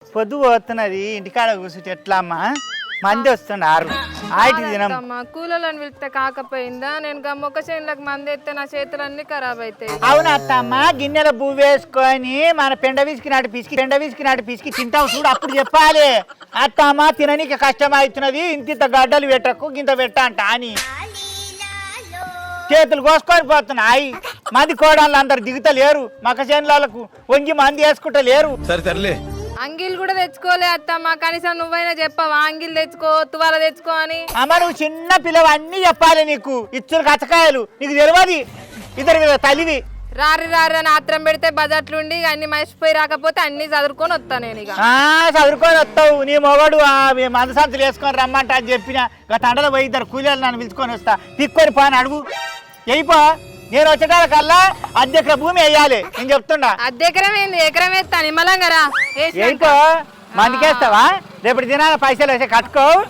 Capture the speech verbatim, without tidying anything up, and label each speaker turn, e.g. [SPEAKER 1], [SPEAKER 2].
[SPEAKER 1] పొద్దు పోతున్నది ఇంటికాడ కూర్చుంటే ఎట్లా అమ్మా మంది వస్తున్నారు ఆయిటి దినం
[SPEAKER 2] కూలని పిలిస్తే కాకపోయిందా నేను మొక్క చేనులకు మంది ఎత్తే నా చేతులన్నీ ఖరాబ్ అవుతాయి.
[SPEAKER 1] అవును అత్తమ్మ గిన్నెల బువ్వ వేసుకొని మన పెండ విసికి నాటి పిసికి పెండ విసికి నాటి పిసికి తింటావు చూడు అప్పుడు చెప్పాలి అత్తమ్మ తిననీకి కష్టం అవుతున్నది ఇంత గడ్డలు పెట్టకు గింత పెట్ట అంట అని చేతులు కోసుకొని పోతున్నాయి. మంది కోడళ్ళు అందరు దిగుతలేరు మక్క చేనులకు వంగి మంది వేసుకుంటా లేరు.
[SPEAKER 3] సరే సర్లే
[SPEAKER 2] అంగిల్ కూడా తెచ్చుకోలే అత్తమ్మ కనీసం నువ్వైనా చెప్పావా అంగిల్ తెచ్చుకో తువాల తెచ్చుకో అని.
[SPEAKER 1] అమ్మ నువ్వు చిన్న పిల్లవు అన్నీ చెప్పాలి నీకు ఇచ్చులు కచ్చకాయలు నీకు తెలియదు ఇద్దరు తల్లివి.
[SPEAKER 2] రారి రారి అని ఆత్రం పెడితే బజార్లుండి అన్ని మర్చిపోయి రాకపోతే అన్ని చదువుకొని వస్తా నేను ఇక.
[SPEAKER 1] చదువుకొని వస్తావు నీ మొగడు మందసంతులు వేసుకొని రమ్మంట అని చెప్పిన గత తండలో పోయి ఇద్దరు కూలీలు నన్ను పిలుచుకొని వస్తా తిక్కొని పోని అడుగు అయిపో. నేను వచ్చేటాల కల్లా అద్దెకర భూమి వేయాలి నేను చెప్తున్నా.
[SPEAKER 2] అద్దెకరం ఏంది ఎకరం వేస్తా నిమ్మలంగా రా
[SPEAKER 1] అయిపో మందికేస్తావా రేపటి దినాల పైసలు వేసి కట్టుకో.